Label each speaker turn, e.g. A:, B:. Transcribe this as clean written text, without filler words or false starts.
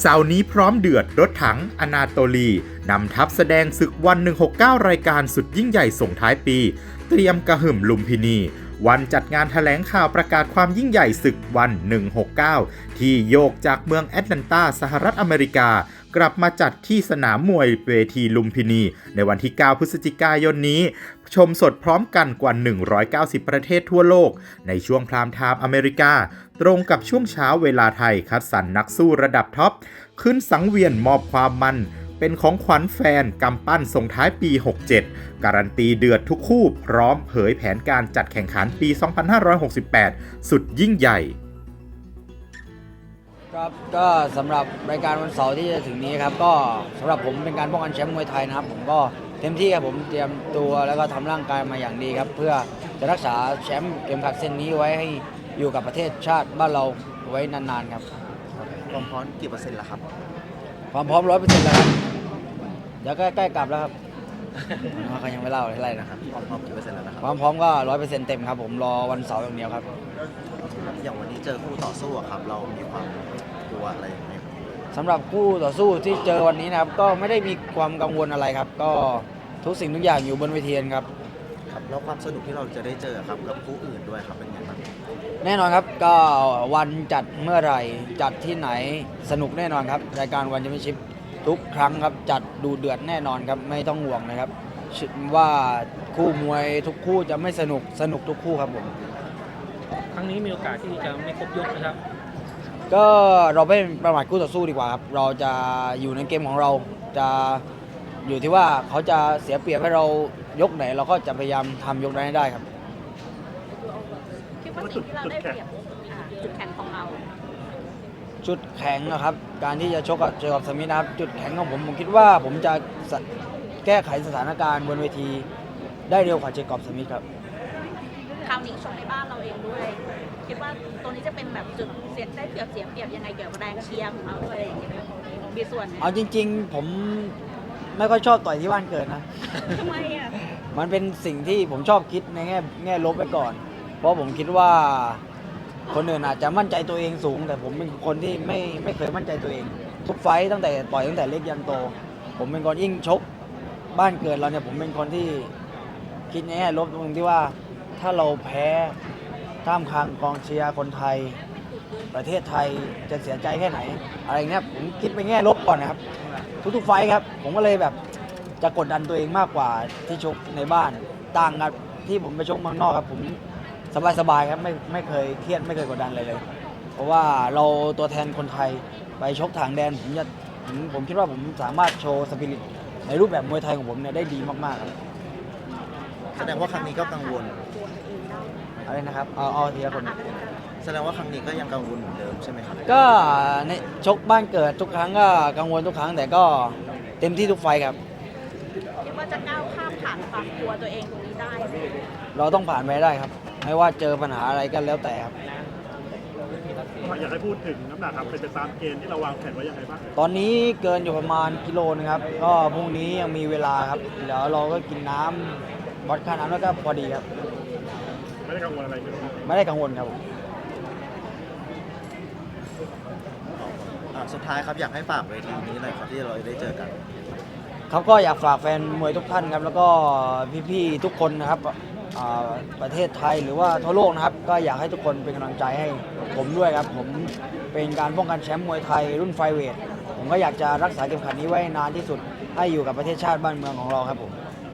A: เสาร์นี้พร้อมเดือดรถถังอนาโตลีนำทัพแสดงศึกวัน 169 รายการสุดยิ่งใหญ่ส่งท้ายปี เตรียมกระหึ่มลุมพินี วันจัดงานแถลงข่าวประกาศความยิ่งใหญ่ศึกวัน 169 ที่โยกจากเมืองแอตแลนตาสหรัฐอเมริกากลับมาจัดที่สนามมวยเวทีลุมพินีในวันที่ 9 พฤศจิกายนนี้ ชมสดพร้อมกันกว่า 190 ประเทศทั่วโลกในช่วงพรามไทม์อเมริกาตรงกับช่วงเช้าเวลาไทยคัดสรรนักสู้ระดับท็อปขึ้นสังเวียนมอบความมันเป็นของขวัญแฟนกำปั้นส่งท้ายปี 67 การันตีเดือดทุกคู่พร้อมเผยแผนการจัดแข่งขันปี 2568 สุดยิ่งใหญ่
B: ครับก็สำหรับรายการวันเสาร์ที่จะถึงนี้ครับก็สำหรับผมเป็นการป้องกันแชมป์มวยไทยนะครับผมก็เต็มที่ครับผมเตรียมตัวแล้วก็ทำร่างกายมาอย่างดีครับเพื่อจะรักษาแชมป์เข็มขัดเส้นนี้ไว้ให้อยู่กับประเทศชาติบ้านเราไว้นานๆครับ
C: ความพร้อมกี่เปอร์เซ็นต์ละครับ
B: ความพร้อม 100% แล้วครับเดี๋ยวใกล้ๆกลับแล้วครับเขายังไม่เล่าอะไรนะครับ
C: ความพร้อมกี่เปอร์เซ็นต์แล้วนะครับ
B: ความพร้อมก็ 100% เต็มครับผมรอวันเสาร์อย่างเดียวครับ
C: อย่างวันนี้เจอคู่ต่อสู้ครับเรามีความกลัวอะไรไหม
B: สำหรับคู่ต่อสู้ที่เจอวันนี้นะครับก็ไม่ได้มีความกังวลอะไรครับก็ทุกสิ่งทุกอย่างอยู่บนเวทีครับ
C: แล้วความสนุกที่เราจะได้เจอครับกับคู่อื่นด้วยครับเป็นยังไงบ้าง
B: แน่นอนครับก็วันจัดเมื่อไหร่จัดที่ไหนสนุกแน่นอนครับรายการวันแชมเปี้ยนชิพทุกครั้งครับจัดดูเดือดแน่นอนครับไม่ต้องห่วงนะครับว่าคู่มวยทุกคู่จะไม่สนุกทุกคู่ครับผม
D: ครั้งนี้มีโอกาสที่จะไม่ครบยกนะครับ
B: ก็เราไม่ประมาทคู่ต่อสู้ดีกว่าครับเราจะอยู่ในเกมของเราจะอยู่ที่ว่าเขาจะเสียเปรียบให้เรายกไหนเราก็จะพยายามทำยกนั้นให้ได้ครับ
E: คิดว่าสิ่งที่เราได้เปรียบจุดแข็งของเรา
B: จุดแข็งนะครับการที่จะชกกับเจอกับสมิธนะครับจุดแข็งของผมคิดว่าผมจะแก้ไขสถานการณ์บนเวทีได้เร็วกว่าเจอกับสมิธครับ
E: คราวนี้ชกในบ้านเราเองด้วยคิดว่าตัวนี้จะเป็นแบบจุดเสียได้เปรียบเสียเปรียบยังไงเกี่ยวกับแรงเชียร์ของเราด้วยอย่างเงี้ยมีส่วน
B: เอาจริงๆผมไม่ค่อยชอบต่อยที่บ้านเกิดนะ
E: ทำไมอ่ะ
B: มันเป็นสิ่งที่ผมชอบคิดในแง่ลบไปก่อนเพราะผมคิดว่าคนอื่นอาจจะมั่นใจตัวเองสูงแต่ผมเป็นคนที่ไม่เคยมั่นใจตัวเองทุกไฟต์ตั้งแต่ต่อยตั้งแต่เล็กยันโตผมเป็นคนยิ่งชกบ้านเกิดเราเนี่ยผมเป็นคนที่คิดในแง่ลบตรงที่ว่าถ้าเราแพ้ท่ามกลางกองเชียร์คนไทยประเทศไทยจะเสียใจแค่ไหนอะไรเงี้ยผมคิดไปแง่ลบก่อนนะครับทุกๆไฟท์ครับผมก็เลยแบบจะกดดันตัวเองมากกว่าที่ชกในบ้านต่างกับที่ผมไปชกเมืองนอกครับผมสบายๆครับไม่เคยเครียดไม่เคยกดดันเลยเพราะว่าเราตัวแทนคนไทยไปชกทางแดนผมคิดว่าผมสามารถโชว์สปิริตในรูปแบบมวยไทยของผมเนี่ยได้ดีมากๆครับ
C: แสดงว่าครั้งนี้ก็กังวล
B: อะไรนะครับเอาทีละคน
C: แสดงว่าครั้งนี้ก็ยังกังวลเหมือนเดิมใช่ไหมครับ
B: ก็ในชกบ้านเกิดทุกครั้งก็กังวลทุกครั้งแต่ก็เต็มที่ทุกไฟครับ
E: คิดว่าจะก้าวข้ามผ่านความกลัวตัวเองตรงนี้ได้
B: เราต้องผ่านไปได้ครับไม่ว่าเจอปัญหาอะไรก็แล้วแต่ครับ
D: อยากให้พูดถึงน้ำหนักครับเป็นไปตามเกณฑ์ที่เราวางแผนไว้ยังไงบ้าง
B: ตอนนี้เกินอยู่ประมาณกิโลนึงครับก็พรุ่งนี้ยังมีเวลาครับเดี๋ยวเราก็กินน้ำวัดค่าน้ำแล้วก็พอดีครับ
D: ไม่ได้กังวลอะไรเลย
B: ไม่ได้กังวลครับ
C: สุดท้ายครับอยากให้ฝากเวทีนี้หน่อยครับที่เราได้เจอกัน
B: ครับก็อยากฝากแฟนมวยทุกท่านครับแล้วก็พี่ๆทุกคนนะครับประเทศไทยหรือว่าทั่วโลกนะครับก็อยากให้ทุกคนเป็นกำลังใจให้ผมด้วยครับผมเป็นการป้องกันแชมป์มวยไทยรุ่นไฟเวทผมก็อยากจะรักษาเข็มขัดนี้ไว้นานที่สุดให้อยู่กับประเทศชาติบ้านเมืองของเราครับผม